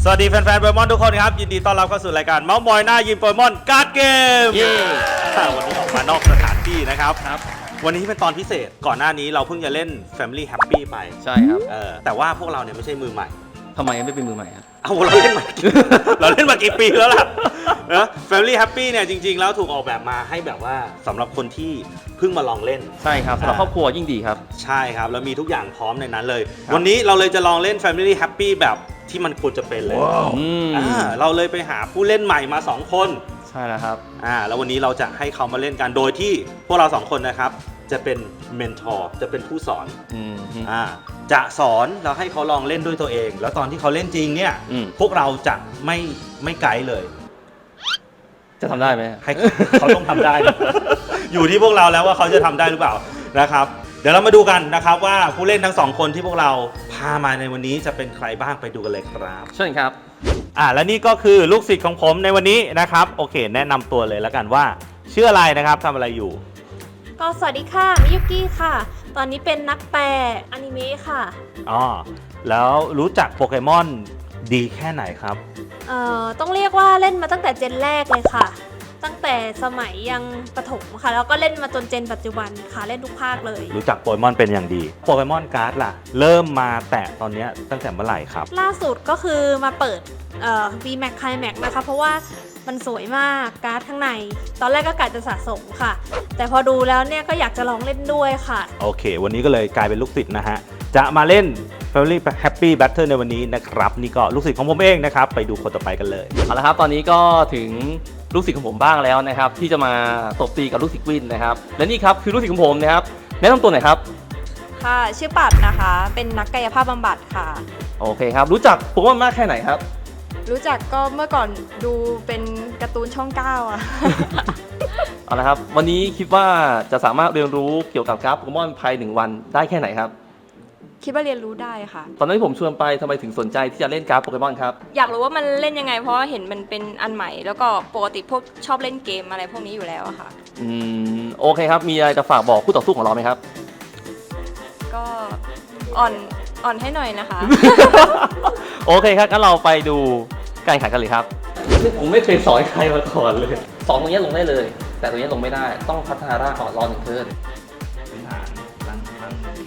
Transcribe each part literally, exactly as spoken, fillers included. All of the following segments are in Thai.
สวัสดีแฟนๆโปเกมอนทุกคนครับยินดีต้อนรับเข้าสู่รายการเมาส์มอยหน้ายิมโปเกมอนการ์ดเกมวันนี้ออกมานอกสถานที่นะครับครับวันนี้เป็นตอนพิเศษก่อนหน้านี้เราเพิ่งจะเล่น Family Happy ไปใช่ครับเออแต่ว่าพวกเราเนี่ยไม่ใช่มือใหม่ทำไมไม่เป็นมือใหม่ครับเอาเราเล่นมาเราเล่นมากี่ปีแล้วล่ะนะ Family Happy เนี่ยจริงๆแล้วถูกออกแบบมาให้แบบว่าสำหรับคนที่เพิ่งมาลองเล่นใช่ครับสำหรับครอบครัวยิ่งดีครับใช่ครับแล้วมีทุกอย่างพร้อมในนั้นเลยวันนี้เราเลยจะลองเล่น Family Happy แบบที่มันควรจะเป็นเลย wow. อ่าเราเลยไปหาผู้เล่นใหม่มาสองคนใช่แล้วครับอ่าแล้ววันนี้เราจะให้เขามาเล่นกันโดยที่พวกเราสองคนนะครับจะเป็นเมนทอร์จะเป็นผู้สอนอ่าจะสอนแล้วให้เขาลองเล่นด้วยตัวเองแล้วตอนที่เขาเล่นจริงเนี่ยพวกเราจะไม่ไม่ไกด์เลยจะทำได้ไหมให้เขาต้องทำได้ อยู่ที่พวกเราแล้วว่าเขาจะทำได้หรือเปล่านะครับเดี๋ยวเรามาดูกันนะครับว่าผู้เล่นทั้งสองคนที่พวกเราพามาในวันนี้จะเป็นใครบ้างไปดูกันเลยครับเชิญครับอ่าและนี่ก็คือลูกศิษย์ของผมในวันนี้นะครับโอเคแนะนำตัวเลยแล้วกันว่าชื่ออะไรนะครับทำอะไรอยู่ก็สวัสดีค่ะมิยุกิค่ะตอนนี้เป็นนักแปลอนิเมะค่ะอ๋อแล้วรู้จักโปเกมอนดีแค่ไหนครับเอ่อต้องเรียกว่าเล่นมาตั้งแต่เจนแรกเลยค่ะตั้งแต่สมัยยังประถมค่ะแล้วก็เล่นมาจนเจนปัจจุบันค่ะเล่นทุกภาคเลยรู้จักโปเกมอนเป็นอย่างดีโปเกมอนการ์ดล่ะเริ่มมาแตะตอนนี้ตั้งแต่เมื่อไหร่ครับล่าสุดก็คือมาเปิดเอ่อ วี แม็ก Climax นะคะเพราะว่ามันสวยมากการ์ดข้างในตอนแรกก็กะจะสะสมค่ะแต่พอดูแล้วเนี่ยก็อยากจะลองเล่นด้วยค่ะโอเควันนี้ก็เลยกลายเป็นลูกศิษย์นะฮะจะมาเล่น Family Happy Battle ในวันนี้นะครับนี่ก็ลูกศิษย์ของผมเองนะครับไปดูคนต่อไปกันเลยเอาละครับตอนนี้ก็ถึงลูกศิษย์ของผมบ้างแล้วนะครับที่จะมาตบตีกับลูกศิษย์วินนะครับและนี่ครับคือลูกศิษย์ของผมนะครับแนะนำตัวหน่อยครับค่ะชื่อปัดนะคะเป็นนักกายภาพบำบัดค่ะโอเคครับรู้จักโปเกมอนมากแค่ไหนครับรู้จักก็เมื่อก่อนดูเป็นการ์ตูนช่องเก้าอ่ะเอาละครับวันนี้คิดว่าจะสามารถเรียนรู้เกี่ยวกับการ์ดโปเกมอนภายหนึ่งวันได้แค่ไหนครับคิดว่าเรียนรู้ได้ค่ะตอนนั้นที่ผมชวนไปทำไมถึงสนใจที่จะเล่นการ์ดโปเกมอนครับอยากรู้ว่ามันเล่นยังไงเพราะว่าเห็นมันเป็นอันใหม่แล้วก็ปกติพวกชอบเล่นเกมอะไรพวกนี้อยู่แล้วอะค่ะอืมโอเคครับมีอะไรจะฝากบอกคู่ต่อสู้ของเราไหมครับก็อ่อนอ่อนให้หน่อยนะคะโอเคครับงั้นเราไปดูการแข่งขันกันเลยครับผมไม่เคยสอนใครมาก่อนเลยสอนตรงนี้ลงได้เลยแต่ตรงนี้ลงไม่ได้ต้องพัฒนาร่างก่อนรอหนึ่งเทิร์นพื้นฐานร่างร่างดี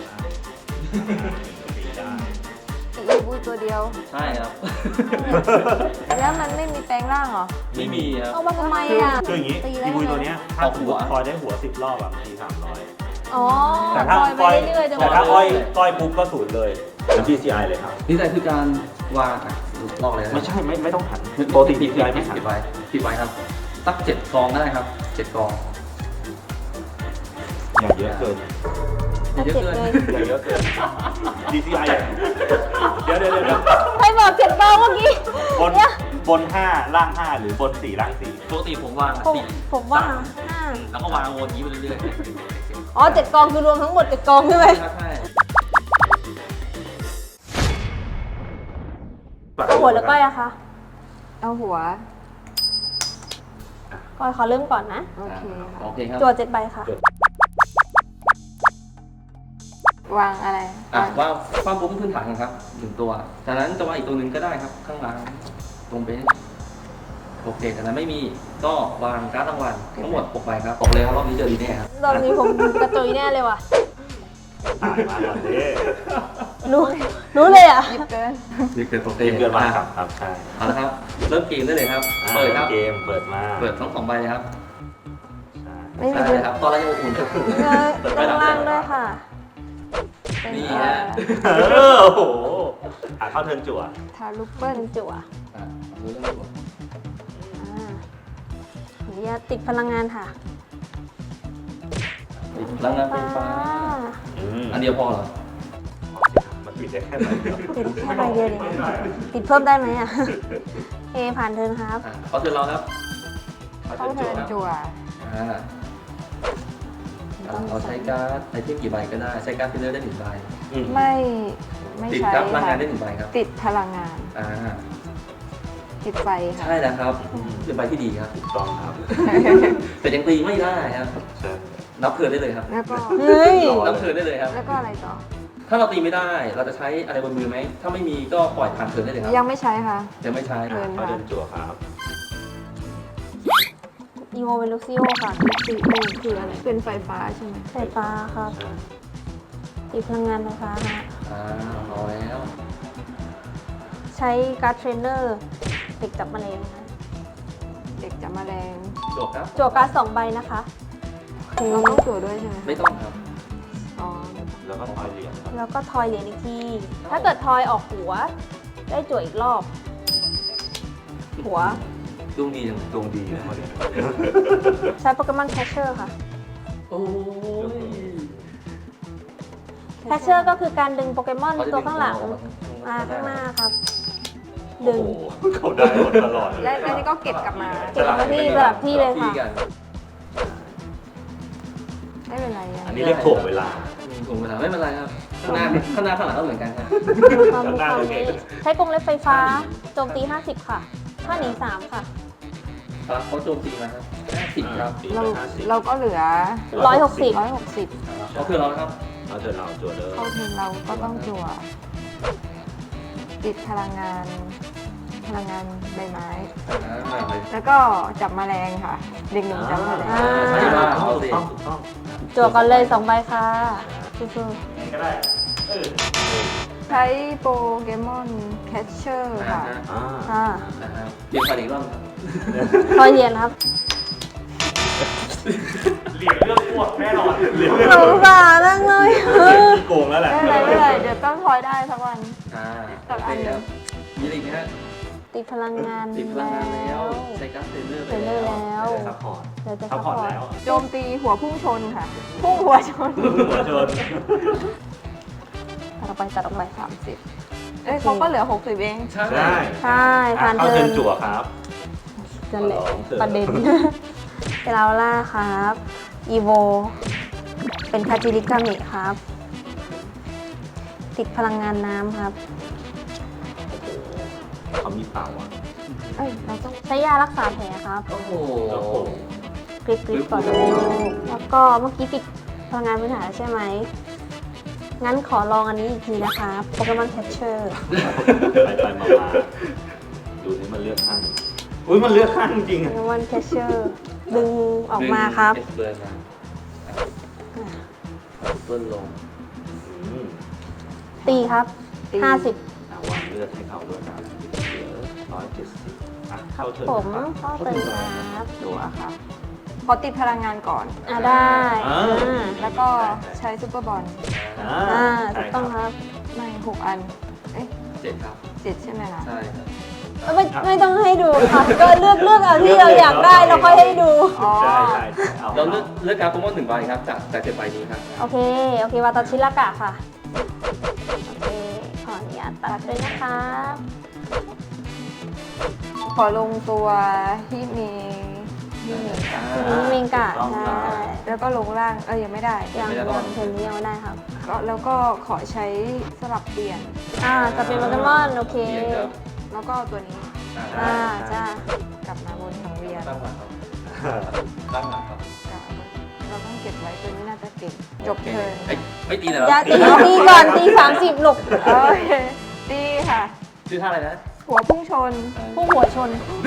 อีบูตัวเดียวใช่ครับแล้วมันไม่มีแปลงร่างเหรอไม่มีครับเอามาทำไมอ่ะคืออย่างนี้อีบูตัวนี้ถ้าหัวคอยได้หัวสิบรอบอ่ะทีสามร้อยอ๋อแต่ถ้าก้อยแต่ถ้าก้อยก้อยปุ๊บก็ศูนย์เลยเป็น ที ซี ไอ เลยครับนี่ใจคือการวางลอกเลยไม่ใช่ไม่ไม่ต้องหันปกติ ที ซี ไอ ไม่หันปิดไว้ปิดไว้ครับสักเจ็ดกองก็ได้ครับเจ็ดกองอย่าเยอะเกินเยอะเกินอย่าเยอะเกิน ที ซี ไอ เดี๋ยวเดี๋ยวเดี๋ยวใครบอกเจ็ดกองเมื่อกี้บนบนห้าล่างห้าหรือบนสี่ล่างสี่ปกติผมวางสี่ผมวางห้าแล้วก็วางวนนี้ไปเรื่อยๆอ๋อเจ็ดกองคือรวมทั้งหมดเจ็ดกองใช่ไหมใช่เอาหัวหรือก้อยอะคะเอาหัวก้อยขอเริ่มก่อนนะโอเคโอเคครับตัวเจ็ดใบค่ะวางอะไรอ่ะวางความบุ้มพื้นฐานครับหนึ่งตัวจากนั้นจะวางอีกตัวหนึ่งก็ได้ครับข้างหลังตรงเบนโอเคจากนั้นไม่มีก็วางการ์ดรางวัลทั้งหมดหกใบครับบอกเลยครับรอบนี้เจอดีแน่ครับรอบนี้ผมกระตุยแน่เลยว่ะมาก่อนดิรู้รู้เลยอ่ะยิบเกินยิบเกินโอเคยิบเกินมาครับครับใช่เอาละครับเริ่มเกมได้เลยครับเปิดครับเกมเปิดมาเปิดทั้งสองใบเลยครับไม่มีครับตอนแรกยังอุ่นครับเปิดล่างด้วยค่ะนี่ฮะโอ้โหหาเข้าเทิร์นจั่วทาลูกเปิ้ลจั่วอ่ารู้เรื่องจั่วอ่าเดี๋ยวติดพลังงานค่ะติดพลังงานไฟฟ้าอันเดียวพอเหรอมันติดได้แค่ไหนเดียวติดแค่ใบเดียวเองติดเพิ่มได้ไหมอ่ะเอผ่านเทิร์นครับเขาเทิร์นเราครับเขาเทิร์นจั่วอ่าเราใช้การ์ดไอเทมกี่ใบก็ได้ใช้การ์ดฟิลเลอร์ได้หนึ่งใบไม่ไม่ใช้ติดพลังงานได้หนึ่งใบครับติดพลังงานอ่าติดไฟค่ะใช่แล้วครับเป็นใบที่ดีครับถูกต้องครับแต่ยังตีไม่ได้ครับนับเทิร์นได้เลยครับแล้วก็เฮ้ยนับเทิร์นได้เลยครับแล้วก็อะไรต่อถ้าเราตีไม่ได้เราจะใช้อะไรบนมือไหมถ้าไม่มีก็ปล่อยผ่านเทิร์นได้เลยครับยังไม่ใช้ค่ะยังไม่ใช้เทิร์นเขาเดินจั่วครับอีโวเวลูซิโอค่ะสีโอคืออะไรเป็นไฟฟ้าใช่ไหมไฟฟ้าครับตีพลังงานไฟฟ้าฮะอ่าพอแล้วใช้การ์ดเทรนเนอร์เด็กจับแมลงนะเด็กจะมาแรงจบครับจั่วการ์ดสองใบนะคะเราต้องตรวจด้วยใช่ไหมไม่ต้องครับอ๋อแล้วก็ทอยเหรียญครับแล้วก็ทอยเหรียญอีกที ถ้าเกิดทอยออกหัว ได้จั่วอีกรอบ หัวดวงดีจังดวงดีนะเขาเรียนใช้โปเกมอนแคชเชอร์ค่ะโอ้ยแคชเชอร์ก็คือการดึงโปเกมอนตัวข้างหลังมาข้างหน้าครับ ดึงโอ้โหเขาได้หมดตลอดเลยและอันนี้ก็เก็บกลับมาเก็บมาที่สลับที่เลยค่ะกันไม่เป็นไรอะอันนี้เรียกถ่วงเวลาถูกเวลาไม่เป็นไรครับข้างหน้าข้างหน้าข้างหลังก็เหมือนกันครับมีความมีความนี้ใช้กรงเล็บไฟฟ้า โจมตี ห้าสิบ ค่ะ ถ้าหนี สาม ค่ะครับเขาโจมตีมาครับห้าสิบครับเราเราก็เหลือร้อยหกสิบร้อยหกสิบเขาคือเรานะครับเอาเถอะเราจั่วเลยเข้าทีมเราก็ต้องจั่วติดพลังงาน พลังงานใบไม้อ่ามาเลยแล้วก็จับแมลงค่ะเด็กหนุ่มจับแมลงอ่าใช่ว่าเอาสิต้องถูกต้องจั่วก่อนเลยสองใบค่ะสู้ก็ได้เออใช้โปเกมอนแคชเชอร์อ่าค่ะฮะอ่าๆค่ะนะครับเปลี่ยนฝ่ายอีกรอบครับทอยเหรียญครับเหรียญเลือกพวกแน่นอนเหรียญสงสารจังเลยที่โกงแล้วแหละไม่เป็นไรไม่เป็นไรเดี๋ยวต้องทอยได้สักวันอ่าตัดอันหนึ่งมีอะไรอีกไหมฮะติดพลังงานติดพลังงานแล้ว ใช้การ์ดเทรนเนอร์ไปเทรนเนอร์แล้วซัพพอร์ตเดี๋ยวจะซัซัพพพพออร์ตร์ตแล้วโจมตีหัวพุ่งชนค่ะ พุ่งหัวชนหัวชนตัดออกไปตัดออกไปสามสิบเอ้ยเขาก็เหลือหกสิบเองใช่ได้ใช่ผ่านเข้าเทิเทิร์ร์นนจั่วครับนั่นแหละขอลองเถอะประเด็น เกลาล่าครับอีโวเป็นคาจิริกามิครับ ติดพลังงานน้ำครับเขามีเป่าอ่ะเอ้ยเราต้องใช้ยารักษาแผลครับโอ้โหโอ้โหกริปกริปก่อนเลยแล้วก็เมื่อกี้ติดพลังงานพื้นฐานแล้วใช่ไหม งั้นขอลองอันนี้อีกทีนะคะโปเกมอนแคชเชอร์ไปไปมามาดูนี่มันเลือกข้างอุ้ยมันเลือกข้างจริงโปๆอะเกมอนแคชเชอร์ดึงออกมาครับเอ็กซ์เบิร์นมาต้นลงอืมตีครับตีห้าสิบเอาวางเลือกให้เขาด้วยนะเหลือร้อยเจ็ดสิบอ่ะครัเข้าบเทิร์นผมครับเข้าเติมครับตัวค่ะขอติดพลังงานก่อนอ่าได้อ่าอ่าแล้วก็ใช้ซูเปอร์บอลอ่าอ่าใช่ถูกต้องครับไม่หกอัน เอ้ยเจ็ดครับเจ็ดใช่ไหมล่ะใช่ครับเอ้ยไม่ไม่ต้องให้ดูค่ะ ก็เลือกเลือกเอาที่เราอยากได้แล้วค่อยให้ดูอ๋อใช่ใช่ใช่เอาเราเลือกเลือกการ์ดโปเกมอนหนึ่งใบครับจากจากเจ็ดใบนี้ครับโอเค โอเควาตาชิรากะค่ะ โอเค ขออนุญาตตัดด้วยนะคะขอลงตัวที่มีที่มีทีนี้เมงกะใช่แล้วก็ลงล่าง เอ้ยยังไม่ได้ยังยังเทนนี้ยังไม่ได้ครับก็แล้วก็ขอใช้สลับเปลี่ยนอ่า จะเป็นโปเกมอน โอเคเปลี่ยนครับแล้วก็ตัวนี้อ่าอ่า จ้ากลับมาบนสังเวียนตั้งหลักครับตั้งหลักครับกลับมาเราต้องเก็บไว้ตัวนี้น่าจะเก่ง จบเทิร์นเอ้ยไม่ตีเลยเหรออย่าตีตีก่อนตีสามสิบหลกโอเคดีค่ะชื่อท่าอะไรนะหัวพุ่งชนพุ่งหัวชน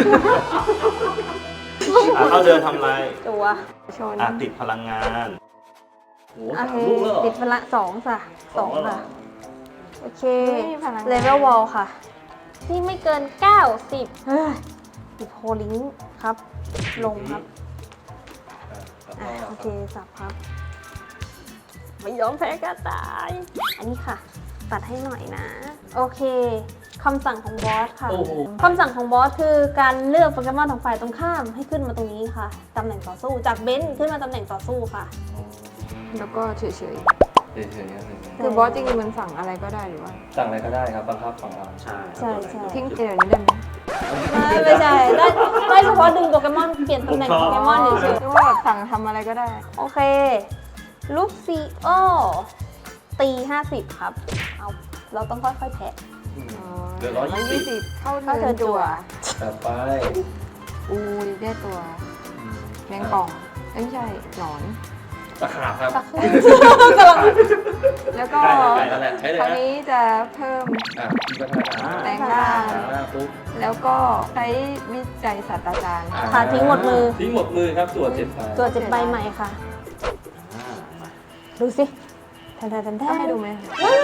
อ่ะเข้าเดินทำอะไรตัวชนอ่ะติดพลังงานโอ้โอสามเคลูกแล้วเหรอติดพละสองค่ะสองแล้วเหรค่ะ โอเคไม่มีพลังงานเลเวลวอลค่ะ ที่ไม่เกิน เก้าสิบเฮ้ยติดโฮลิงครับ ลงครับ อ่ะโอเค สับครับ ไม่ยอมแพ้กระต่าย อันนี้ค่ะ ตัดให้หน่อยนะ โอเคคำสั่งของบอสค่ะโอ้โหคำสั่งของบอสคือการเลือกโปเกมอนของฝ่ายตรงข้ามให้ขึ้นมาตรงนี้ค่ะตำแหน่งต่อสู้จากเบนซ์ขึ้นมาตำแหน่งต่อสู้ค่ะแล้วก็เฉยเฉยๆครับๆ คือบอสจริงๆมันสั่งอะไรก็ได้หรือว่าสั่งอะไรก็ได้ครับบังคับฝั่งเราใช่ใช่ใช่ทิ้งเดี๋ยวนี้ได้ไหมไม่ไม่ใช่ได้ได้เฉพาะดึงโปเกมอนเปลี่ยนตำแหน่งโปเกมอนเฉยหรือว่าแบบสั่งทำอะไรก็ได้ๆโอเคลูกซีโอตีห้าสิบครับเอาเราต้องค่อยๆแทะเหลือร้อยยี่สิบเข้าเข้าเทิเทิร์ร์นนจั่จั่ววต่อไปอูได้ตัวแมงป่องเอ้ยไม่ใช่หนอนไปตะขาบครับตะคุ่มกำลังแล้วก็ใกล้แล้วแหละใช้เลยคราวนะนี้จะเพิ่มอ่ะมีพัฒนาการแปลงร่างอ่าปุ๊บแล้วก็ใช้วิจัยศาสตราจารย์อ่าค่ะทิ้งหมดมือทิ้งหมดมือครับตรวจเจ็ดใบตัวเจ็ดใบใหม่ค่ะอ่ามาดูสิแทนแทนแทนแทต้องให้ดูไหม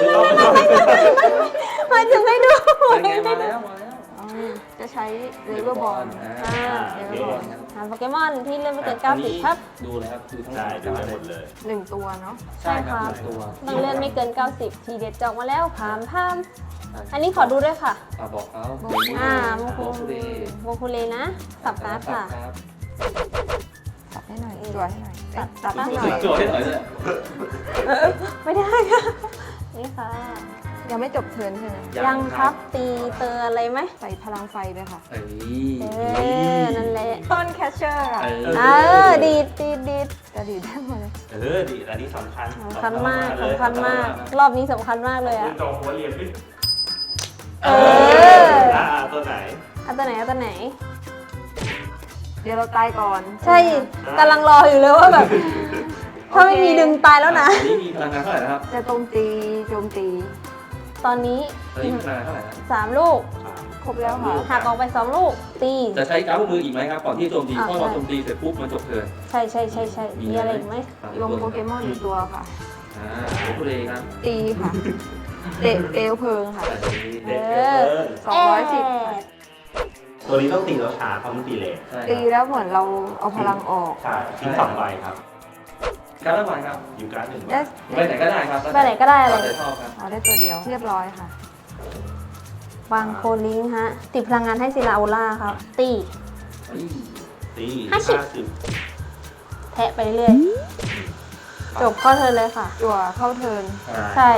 หมายถึงให้ดูเป็นไงมาแล้วมาแล้วอ๋อจะใช้เลเวอร์บอลอ่าอ่าเลเวอร์บอลครับหาโปเกมอนที่เล่นไม่เกินเก้าสิบครับดูเลยครับดูทั้งใช่ดูได้หมดเลยหนึ่งตัวเนาะใช่ครับใช่ครับหนึ่งตัวต้องเล่นไม่เกินเก้าสิบทีเด็ดจอกมาแล้วพามพามอันนี้ขอดูด้วยค่ะอ่าบอกเขาอ่าโมโมคุคุเรโมคุเลนะ สับการ์ดค่ะรับตัดให้หน่อยจั่วให้หน่อยตัดตัดให้หน่อยโจทย์ให้หน่อยเลยไม่ได้ค่ะ นี่ค่ะยังไม่จบเทิร์นใช่ไหมยังครับตีเตออะไรไหมใส่พลังไฟด้วยค่ะเอ้ยเออ นั่นแหละต้นแคชเชอร์ค่ะเอเออ ดีดดีดดีดจะดีดได้หมดเลยเออดีอันนี้สำคัญสำคัญมากเลยสำคัญมาก รอบนี้สำคัญมากเลยคุอะณจองหัวเรียนขึ้นเอออ่าตัวไหนเอาตัวไหนเอาตัวไหนเดี๋ยวเราตายก่อนใช่กำลังรออยู่เลยว่าแบบ ถ้าไม่มีดึงตายแล้วนะอันนี้มีพลังงานเท่าไหร่นะครับจะโจมตีโจมตีตอนนี้ตอนนี้มีพลังงานเท่าไหร่นะสามลูกครบแล้วค่ะหักออกไปสองลูก ตีจะใช้การ์ดมืออีกไหมครับก่อนที่โจมตีอ่าเพราะเราโจมตีเสร็จปุ๊บมันจบเทิร์นใช่ใช่ใช่ใช่มีอะไรอีกไหมลงโปเกมอนอีกตัวค่ะอ่าโมคุเรครับตีค่ะ เตะเปลวเพลิงค่ะเด็กเกินสองร้อยสิบเอ๊ะตัวนี้ต้องตีแล้วช้าเพราะมันตีเลทใช่ตีแล้วเหมือนเราเอาพลังออกใช่ทิ้งสองใบครับการละวันครับอยู่การดหนึ่งใบได้ไปไหนก็ได้ครับไปไหนก็ได้เลยตามใจชอบครับเอาได้ตัวเดียว เรียบร้อยค่ะวางโคลิงค์ฮะ ติดพลังงานให้ซิลาโอล่าครับ ตีเฮ้ยตีห้าสิบห้าสิบแทะไปเรื่อยๆจบข้อเธอเลยค่ะจั่วเข้าเทิร์นใช่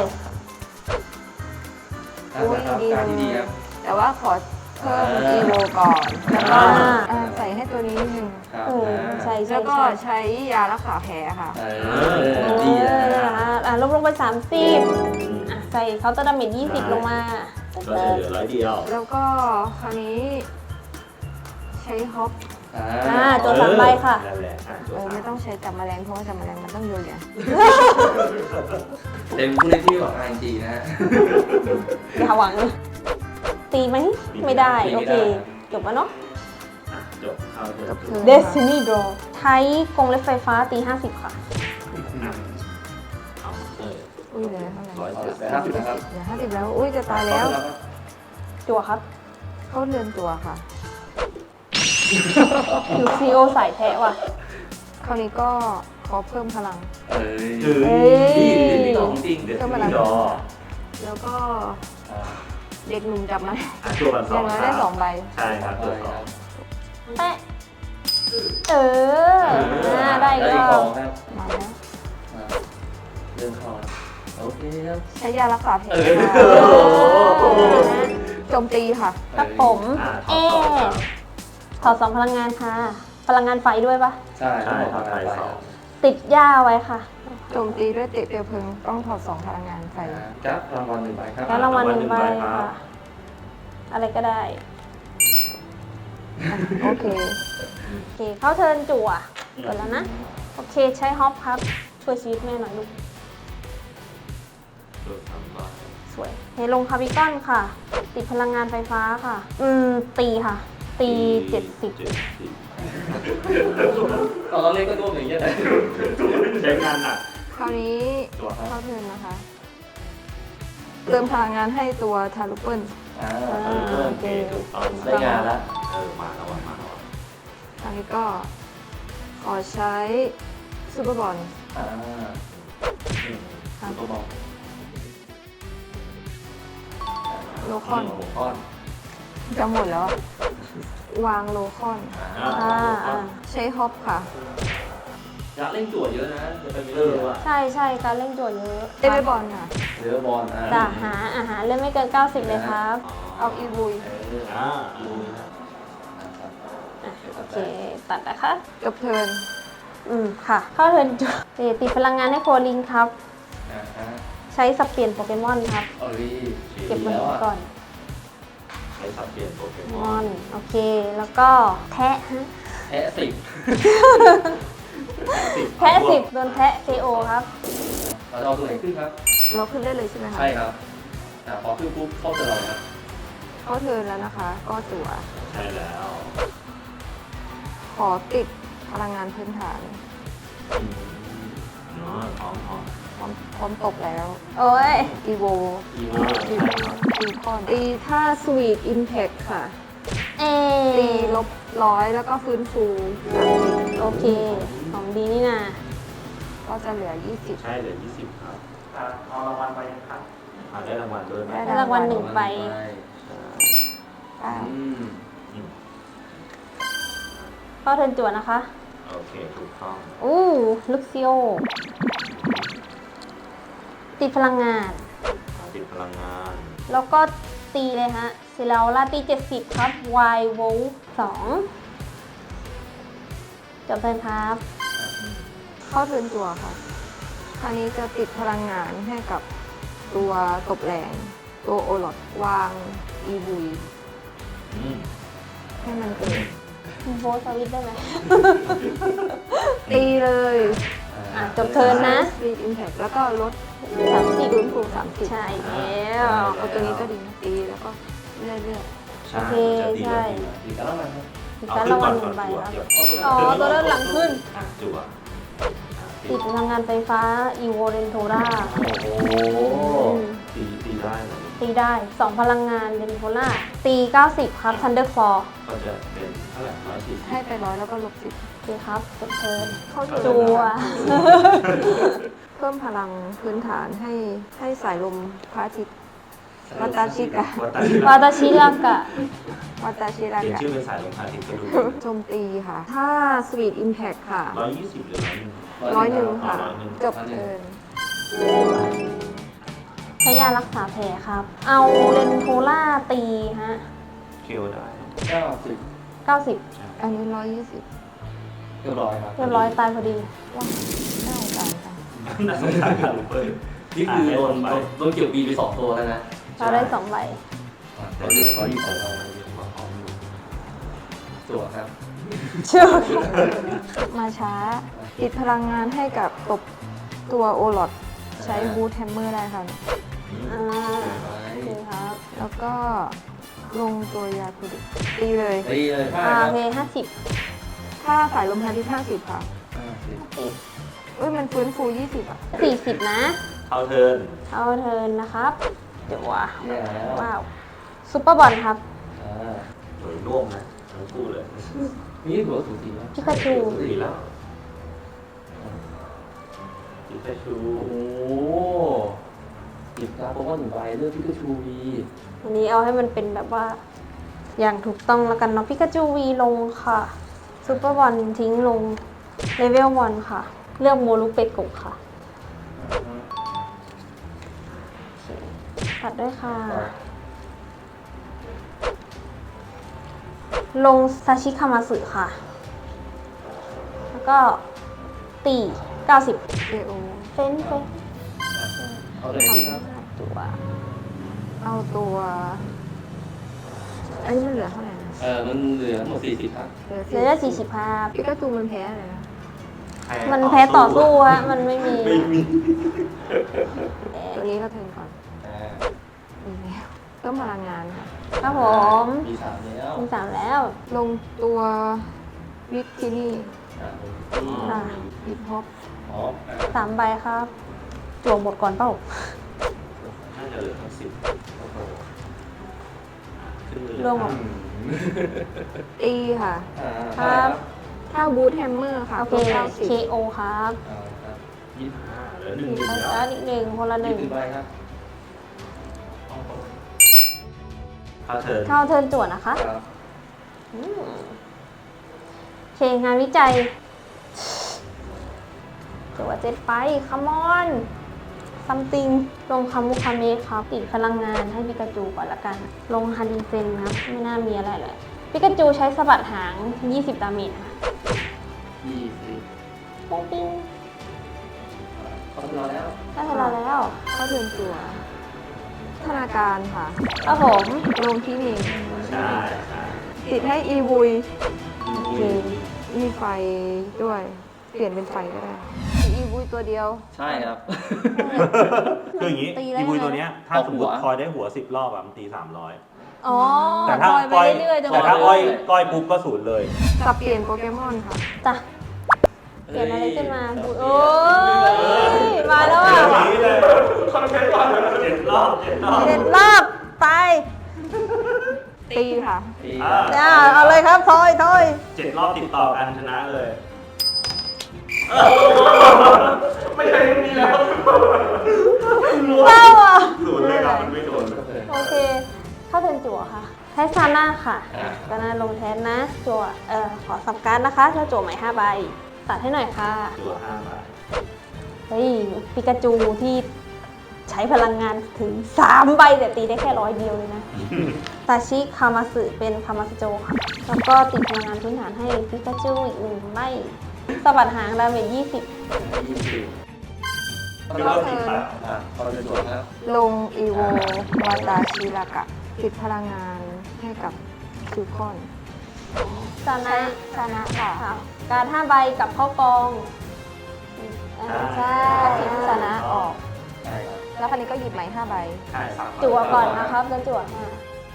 นั่นแหละครับการที่ดีครับแต่ว่าขอเพิ่มอีโวก่อน แล้วก็อ่าอ่าใส่ให้ตัวนี้นิดนึงครับเออใช่ใช่แล้วก็ใช่ใช้ยารักษาแผลค่ะเอเอออดีนะอ่ะอ่ะลบลงไปสามสิบอ่ะใส่เคาน์เตอร์ดาเมจยี่สิบลงมาก็จะเหลือร้อยเดียวแล้วก็คราวนี้ ใช้ฮอปอ่าตัวสามใบค่ะนั่นแหละอ่ะตัวเออสามไม่ต้องใช้จับแมลงเพราะว่าจับแมลงมันต้องโยนอย่างเป็นผู้เล่นที่หวัง อาร์ เอ็น จี นะฮะอย่าหวัง ตีไหม ไม่ได้ตีโอไม่เคได้จบแล้วเนาะอ่ะจบเอาเถจอะบเทิร์น Destiny Draw ใช้กรงเล็บไฟฟ้าตี ห้าสิบ ค่ะเอาเลยอุ้ยเหลือเท่าไหร่ร้อยเอาเจ็ดไปห้าสิบนะครับเหลือห้าสิบแล้ว อุ้ยจะตายแล้วจั่วครับเข้าเรือนตัวค่ะคิวซีโอสายแทะว่ะคราวนี้ก็ขอเพิ่มพลังเอ้ยถึงเอ้ยดีดีของจริงเดี๋ยวเพิ่มที่พลังดอแล้วก็เด็กหนุ่มจับมาอ่ะตัวละอสอย่างน้อยคได้รับสองใบใช่ครับตัวสองแปะ เอออ่าได้อีกได้รอีกอขบองครับมาแล้วอ่าเรื่องเข้าแล้วโอเคครับใช้ยารักษาแผลเออค่ะเออโจมตีค่ะครับผมอ่ะถเออดสองครับถอดสองพลังงานค่ะ พลังงานไฟด้วยปะใช่ใช่ครับไปไทยไปสองติดหญ้าไว้ค่ะโจมตีด้วยเตะเปลวเพลิงต้องถอดสองพลังงานใส่ครับรางวัลหนึ่งใบครับแล้วรางวัลหนึ่งใบรางวัลหนึ่งใบครัค่ะบอะไรก็ได้โอเคโอเค เข้าเทิร์นจั่วเปิดแล้วนะ โอเค ใช้ฮอปครับ ช่วยชีวิตแม่หน่อยลูกตัวสามใบสวยเฮลงคาร์บิกอนค่ะ ติดพลังงานไฟฟ้าค่ะ อืม ตีค่ะ ตีเจ็ดสิบเจ็ดสิบตอนเราเล่นก็ร่วมอย่างเงี้ยเลยใช้งานหนักคราวนี้ตัวครับเข้าเทิร์นนะคะ เติมพลังงานให้ตัวทารุเปิลอ่าโอเคถูกต้องได้งานแล้วเออมาแล้วว่ะมาแล้วว่ะคราวนี้ก็ขอใช้ซูเปอร์บอลอ่าอืมค่ะตัวบอกโลคอนหัวก้อนจะหมดแล้วอะวางโลคอนอ่าอ่าอ่าใช้ฮอปค่ะอยากเล่นจั่วเยอะนะจะเป็นเอเรื่ออง ว่ะใช่ใช่การเล่นโจทย์เยอะเอเวอร์บอลค่ะเรือบอลอ่าจะหาอาหารเล่นไม่เกิน เก้าสิบ เลยครับเอาอีวุยเอออ่าอ่ะโอเค ตัดนะคะจบเทิร์นอืม ค่ะ เข้าเทิร์นจั่วเอ่อติดพลังงานให้โคลิงครับอ่าฮะใช้สับเปลี่ยนโปเกมอนครับเอ้ยเก็บมันแล้วอ่ะก่อนใช้สับเปลี่ยนโปเกมมออนน โอเค แล้วก็แทะฮะแพ้สิบแพะสิบโดนแพะ เค โอ ครับเราจะเอาตัวไหนขึ้นครับเราขึ้นได้เลยใช่ไหมคะใช่ครับอ่าพอขึ้นปุ๊บเข้าเจอเราครับเข้าเทิร์นแล้วนะคะ ก็จั่วใช่แล้วขอติดพลังงานพื้นฐานเนาะพร้อมพร้อมพร้อมพร้อมตกแล้วโอ้ยอีโวอีโวตีตีคอนตีถ้าสวีทอิมแพคค่ะเอตีลบร้อยแล้วก็ฟื้นฟูสามสิบโอเค ของดีนี่นะก็จะเหลือยี่สิบใช่เหลือยี่สิบครับเอารางวัลไปยังครับเอาได้รางวัลด้วยไหมได้รางวัลหนึ่งใบเก้าอืมอืมเข้าเทิร์นจั่วนะคะโอเคถูกต้องอู้ลุกซิโอ ติดพลังงานติดพลังงานแล้วก็ตีเลยฮะเสร็จแล้วลาตีเจ็ดสิบครับ Y โวลสองจบเทิร์นครับเข้าเทิร์นจั่วค่ะ คราวนี้จะติดพลังงานให้กับตัวตบแรง ตัวโอลอดวางอีบุยอืมให้มันเกิดโวลสวิตได้ไหมตีเลยอ่ะจบเทิร์นนะสวีทอิมแพคแล้วก็ลดสามสิบฟื้นฟูสามสิบใช่แล้วเอาตัวนี้ก็ดีนะตีแล้วก็เรื่อยใช่โอเคจะตีใช่แล้วดีอีกแล้วมันครับมีการรางวัลหนึ่งใบครับ อ๋อตัวด้านหลังขึ้นอ่ะจั่วติดพลังงานไฟฟ้าอีโวเรนโทราโอ้โหตีตีได้เหรอตีได้ สอง พลังงานเรนโทราตีเก้าสิบครับทันเดอร์ฟอร์ก็จะเป็นเท่าไหร่ร้อยสี่สิบๆ ให้ไปร้อยแล้วก็ลบสิบโอเคครับจบเทิร์นเข้าเทิร์นจัวเพิ่มพลังพื้นฐานให้ให้สายลมพระอาทิตย์วัตาชิกะวัตาชิวาตาชิรากะวัตาชิรากะเปลี่ยนชื่อเป็นสายลมพาทิตย์ก็ดูโจมตีค่ะ ถ้าสวีทอิมแพคค่ะร้อยยี่สิบหรือร้อยหนึ่งร้อยหนึ่งค่ะร้อยหนึ่งจบเทิร์นใช้ยารักษาแผลครับ เอาเรนโทราตีฮะเคียวได้เก้าสิบเก้าสิบอันนี้ร้อยยี่สิบเรียบร้อยครับเรียบร้อยตายพอดีว้าวน่าสงสารจังน่าสงสารค่ะลูกเปิ้ลนี่คือโดนโดนเกี่ยวบีไปสองตัวแล้วนะเราได้สองใบเราเหลือร้อยยี่สิบตัวครับเชื่อมาช้าติดพลังงานให้กับตบตัวโอลอดใช้บูทแฮมเมอร์ได้ค่ะอ่าโอเคครับแล้วก็ลงตัวยาคุดิตีเลยตีเลยห้าอ่าคโอรับเคห้าสิบถ้าสายลมพาทิตย์ห้าสิบค่ะห้าสิบเอ้ย มันฟื้นฟูยี่สิบอ่ะสี่สิบนะเข้าเทิร์นเอาเทิร์นนะครับ เดี๋ยวว่าแย่แล้วว้าวซุปเปอร์บอลครับอ่าโดยร่วมนะทั้งคู่เลยนี่ถือว่าถูกตีไหมพิกาจูดีแล้วปิกาชูโอ้โหจิบการ์ดโปเกมอนหนึ่งใบเลือกพิกาชูวีวันนี้เอาให้มันเป็นแบบว่า อย่างถูกต้องแล้วกันเนาะพิกาจูวีลงค่ะซุปเปอร์บอลทิ้งลงเลเวลวันค่ะ เลือกโมลุเปโกะค่ะตัดด้วยค่ะ ลงซาชิคามาสึค่ะ แล้วก็ตีเก้าสิบเอโอเฟ้นเฟ้นเอาเลยขึ้นครับตัวเอาตัว อันนี้มันเหลือเท่าไหร่นะเออมันเหลือทั้งหมดสี่สิบครับเหลือเหลือได้สี่สิบห้าพิกาจูมันแพ้อะไรนะมันแพ้ต่อสู้ฮะ มันไม่มีไม่มีตัวนี้ก็เทิร์นก่อนอ่าอีกแล้วเพิ่มพลังงานค่ะครับผมมีสามแล้วมีสามแล้วลงตัววิกที่นี่อ่าค่ะฮิปฮอปอ๋ออ่าสามใบครับจั่วหมดก่อนเปล่าน่าจะเหลือทั้งสิบขึ้นเลยรวมหมดตีค่ะอ่าครับถ้าบูทแฮมเมอร์ค่ะโอเคตัวเก้าสิบเค โอ ครับเอาครับยี่สิบห้าเหลือหนึ่งมีหนึ่งไปแล้วแล้วอีกหนึ่งคนละหยี่นึ่งสิบใบครับเข้าเทิร์นเข้าเทิร์นจั่วนะคะครับอืมโอเค งานวิจัยจั่วเจ็ดไปคัมอน ซัมติง ลงคามุคาเมะครับ ติดพลังงานให้ปิกาจูก่อนละกัน ลงฮาริเซนครับ ไม่น่ามีอะไรเลยปิกาจูใช้สะบัดหาง ยี่สิบ ดาเมจค่ะยี่สิบปุ้งปิ้งเขาทำเราแล้วได้เวลาแล้วเข้าเทิร์นตัวธนาการค่ะครับผมลงที่นี่ใช่ใช่ติดให้อีบุยโอเคมีไฟด้วยเปลี่ยนเป็นไฟก็ได้อีบุยตัวเดียวใช่ครับคืออย่างนี้ตีได้อีบุยไหมตัวเนี้ยถ้าตกสมหัมวติคอยได้หัวสิบรอบอะมันตีสามร้อยอ๋อแต่ถ้าปล่อยไปก้อยเรื่อยๆจนกแต่ว่าถ้าอ้อยก้อยปุ๊บก็ศูนย์เลยสับเปลี่ยนโปเกมอนค่ะจ้ะเปลี่ยนอะไรขึ้นมาโอ้ยมาแล้วอ่ะนี้เลยเจ็ดรอบเจ็ดรอบเด็ดรอบตายตีค่ะตีอ่าอ่าเอาเลยครับทอยทอยเจ็ดรอบติดต่อกันชนะเลย ไม่ใช่นี่แล้วเศร้าอ่ะศูนย์เลยครับมันไม่โดนโอเค เข้าเทิร์นจั่วค่ะใช้ซาน่าค่ะอ่าซาน่าลงแทนนะ จั่ว เอ่อ ขอสับการ์ดนะคะแล้วจั่วใหม่ห้าใบ ตัดให้หน่อยค่ะตัวห้าบาทเฮ้ย ปิกาจูที่ใช้พลังงานถึงสามใบแต่ตีได้แค่ร้อยเดียวเลยนะ ตาชิคามาสึเป็นคามาสโจค่ะ แล้วก็ติดพลังงานพื้นฐานให้ปิกาจูอีกหนึ่งใบสะบัดหางดาเมจยี่สิบยี่สิบไม่เริ่มติดแล้วอ่ะพอจะตรวจครับลงอีโววาตาชิรากะ ติดพลังงานให้กับคิวคอนซานะชนะค่ะค่ะการห้าใบกับเข้ากองอ่าใช่ซานะออกใช่ครับแล้วคันนี้ก็หยิบใหม่ห้าใบใช่ครับจั่วก่อนนะครับแล้วจั่วค่ะ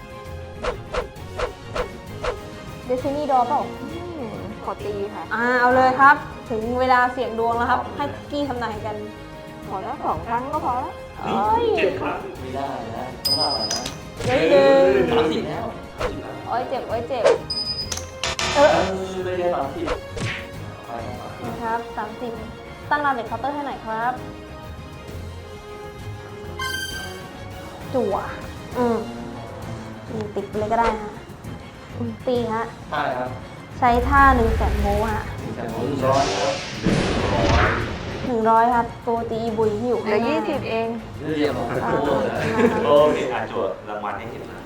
เดซินี่ดอเปล่าอืมขอตีค่ะอ่าเอาเลยครับ ถึงเวลาเสี่ยงดวงแล้วครับ ให้คุกกี้ทำนายกันขอแล้วสองครั้งก็พอแล้วโอ้ยเจ็ดครั้งไม่ได้นะต้องเล่าอะไรนะเฮ้ยหนึ่งสามสิบแล้วโอ้ยเจ็บโอ้ยเจ็บ เอเอออไม่ได้สามสิบไปครับนะครับสามสิบตั้งราเมจเคาน์เตอร์ให้หน่อยครับ จั่ว อืมอืมติดไปเลยก็ได้ฮะอืมตีฮะใช่ครับใช้ท่าหนึ่งแสนโวลต์ฮะแต่ผมร้อนครับหนึ่งร้อยครับตัวตีบุยที่อยู่เหลืข้าองหน้ายี่สิบเองเรียบร้อยอ่าโอ้โหนะครับโอเคอ่ะจวดรางวัลให้เห็นนะ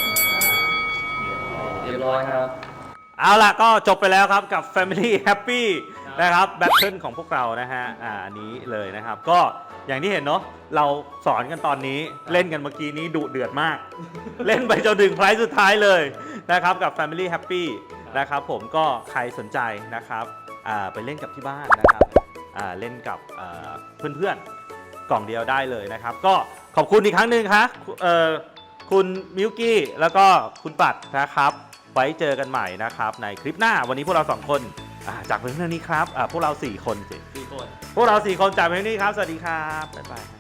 เรียบร้อยครับเอาล่ะก็จบไปแล้วครับกับ Family Happy นะครับแบทเทิลของพวกเรานะฮะอ่าอันนี้เลยนะครับ ก็อย่างที่เห็นเนาะเราสอนกันตอนนี้เล่นกันเมื่อกี้นี้ดุเดือดมาก เล่นไปจนถึงไพรส์สุดท้ายเลยนะครับกับ Family Happy นะครับผมก็ใครสนใจนะครับอ่าไปเล่นกับที่บ้านนะครับอ่าเล่นกับอ่าเพื่อนๆกล่องเดียวได้เลยนะครับ ก็ขอบคุณอีกครั้งหนึ่งครับเอ่อคุณมิวกี้แล้วก็คุณปัดนะครับ ไว้เจอกันใหม่นะครับในคลิปหน้าวันนี้พวกเราสองคนอ่าจากเพียงเท่านี้ครับอ่าพวกเราสี่คนสิสี่คนพวกเราสี่คนจากเพียงเท่านี้ครับ สวัสดีครับ บ๊ายบาย